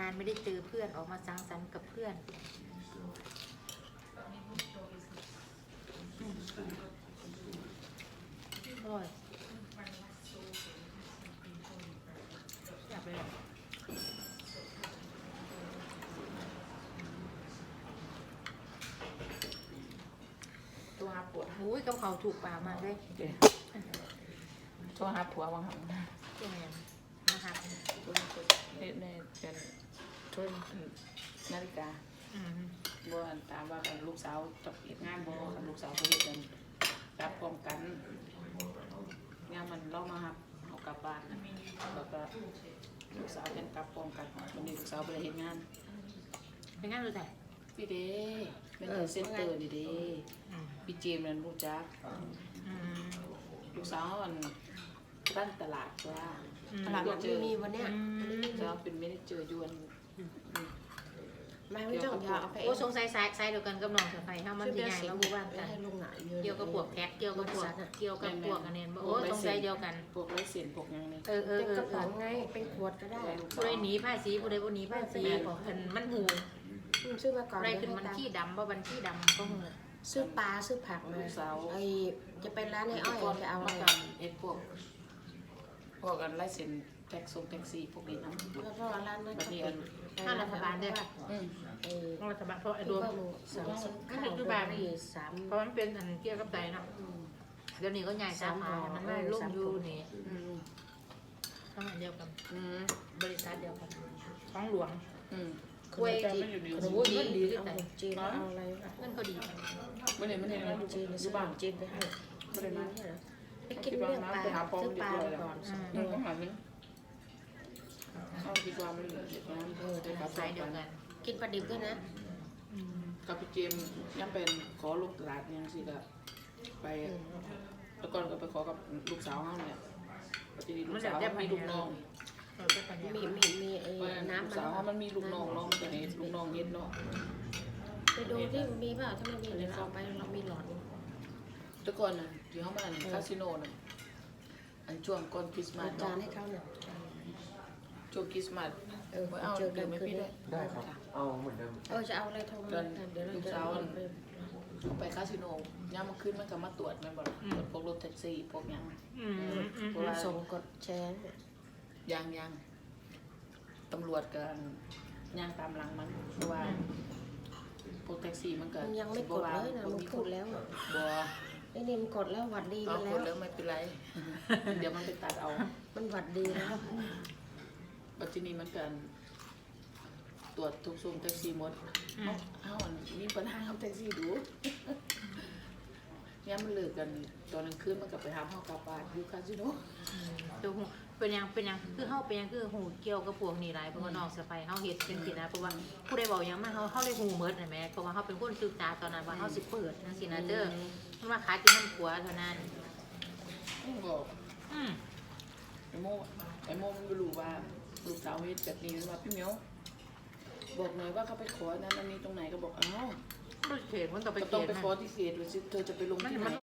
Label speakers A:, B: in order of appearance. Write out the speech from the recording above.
A: านไม่ได้เจอเพื่อนออกมาสังสรรค์กับเพื่อนอร่อยอยากไปเลย
B: ตัวหาปวด
A: อุ้ยกับเขาถูกปากมากเลย
B: ตัวหาผัวบางครั้ง
A: ตัวแมนนะคะ
B: ในเป็นช่วยนาฬิกาบ่ตามว่าลูกสาวจับเหตุงานบ่ลูกสาวเขาเฮ็ดกันรับพร้อมกันงานมันเรามาครับเอากลับบ้านแล้วก็ลูกสาวกันกลับพร้อมกันวันนี้ลูกสาวไปเฮ็ดงาน
A: เป็นงานดูแต่
B: พี่เด้เป็นเซ็นเตอร์นี่เด้พี่เจมส์นั่นรู้จักลูกสาวมันตั้งตลาดว่า
C: ตลาดมันมีวันเนี้ย
B: แล้วเป็นเมเนเจอร์ยวน
C: ไม่ต้องยาเอาไป
A: โอ้สงสัยสายเดียวกันกับน้องเสือไฟเฮามันสิใหญ่แล้วบูบ้านกัน
C: ให้ลงหนาเยอะ
A: เกี่ยวกับพวกแพ็คเกี่ยวกับพวกอันนี้โอ้สงสัยเดียวกัน
B: พวกไรเสียนพวกยังนี่
C: เป็นกระป๋องไงเป็นขวดก็ได้
A: ผู้ใดหนีผ้าสีผู้ใดบ่หนีผ้าสีของเพิ่นมันหู
C: ซื้อมาก่อน
A: อะไรขึ้นมันขี้ดำบ่บันขี้ดำก็หู
C: ซื้อปลาซื้อผักมาไอจะไปร้านไอ้อ้อยจะเอา
B: มา
C: อะไร
B: กันเอ็ดพวกกันไรเสียนแท็กซี่พวกนี้นะ
C: แล้วก็ร้านนั้น
B: บัดนี้
A: ถ้ารัฐบาลด้วย รัฐบาลเพราะไอ้รวม
C: ก็คือคือบาทนี่3
A: เพราะมันเป็นอันเกี่ยวกับใจเนาะเดี๋ยวนี้ก็ใหญ่สาขามันไม่ลงอยู่นี่ทำงานเดียวกันบริษัทเดียวกันท้องหลวง
C: คุยจีนเงินดีเอาจีนเอาอะไร
A: เงินเขาดี
B: ไม่ได้ไม่ได้
C: จีน
B: อยู่บ้าน
C: จีนไปให้
B: ไม่ได้มา
C: ไปกินเรื่องปลาซื้อปลาก่อน
B: ต้องหาเงินเอาดีกว่ามันเด็ดน้ำได้ครับ
A: สายเดียวกัน
C: กินปลาดิบด้วยนะ
B: กับพี่เจมยังเป็นขอลูกตลาดยังสิก็ไปแล้วก่อนก็ไปขอกับลูกสาวเขาเนี่ยปฏิทินลูกสาวมีลูกน้อง
C: มีไอ้
B: น้ำ
C: น้ำ
B: สาวเขามันมีลูกน้องน้องตัวนี้ลูกน้องเย็ดเนาะ
C: ไปดูที่มีเปล่าถ้าไม่มีเดี๋ยวเราไปเรามีหลอด
B: แต่ก่อนน่ะที่เขามาคาสิโนน่ะอันช่วงก่อนคริสต์มาส
C: จานให้เขาเนี่ย
B: ช่วงคริสต์มาสเอา
C: เจอกัน
B: ไม่
C: คืน
B: พี่
C: นี้
B: ด้วย
D: ได้ครับ เอาเหมือนเดิม
C: จะเอาอะไรโทรมาเดี๋ยวเราจะ
B: ไปคาสิโนย่ามาขึ้นมันก็มาตรวจมันบอกตรวจพวกรถแท็กซี่พวกยังเพราะว่า
C: ส่งกดแชร์
B: ยังตำรวจกันย่างตามหลังมันเพราะว่าพวกแท็กซี่มันก็
C: มันยังไม่กดเลยนะมันพูดแล้ว
B: บ่
C: ไอ้นี่มันกดแล้วหวัดดี
B: เอา
C: มา
B: ค
C: แล้ว
B: นแล้วไม่เป็นไร เดี๋ยวมันไปตัดเอา
C: มันหวัดดีแล้ว
B: ปัจจุบันมันกันตรวจทุกซุ้มแท็กซี่หมดเอามีปัญหากับแท็กซี่ดูเนี่ยมันเลิกกันตอนกลางคืนมันก็ไปหาห้องกาปาดอยู่คาสิโน
A: ดูเป็นยังคือเฮาเป็นยังคือหูเกี่ยวกับพวกนี้หลายเพราะว่าน้องเสือไฟเฮาเฮ็ดเป็นสินะเพราะว่าผู้ใดบอกยังมาเฮาเลยหูเมิดนะแม่เพราะว่าเฮาเป็นคนศึกษาตอนนั้นว่าเฮาสิเปิดจังซี่นะเด้อมันมาขายกินน้ำขัวเท่านั้น
B: บอก
A: อืม
B: ไอ้โมมันไม่รู้ว่าลูกสาวเฮ็ดแบบนี้มันว่าพี่เหมียวบอกหน่อยว่าเขาไปขอนั้นอันนี้ตรงไหนก็บอกอ้าว
A: บ่เขตมันต้องไป
B: ก็
A: เข
B: ต้อง
A: ต
B: ไป
A: นะ
B: ขอที่เขตหรือเธอจะไปลงที่ไหน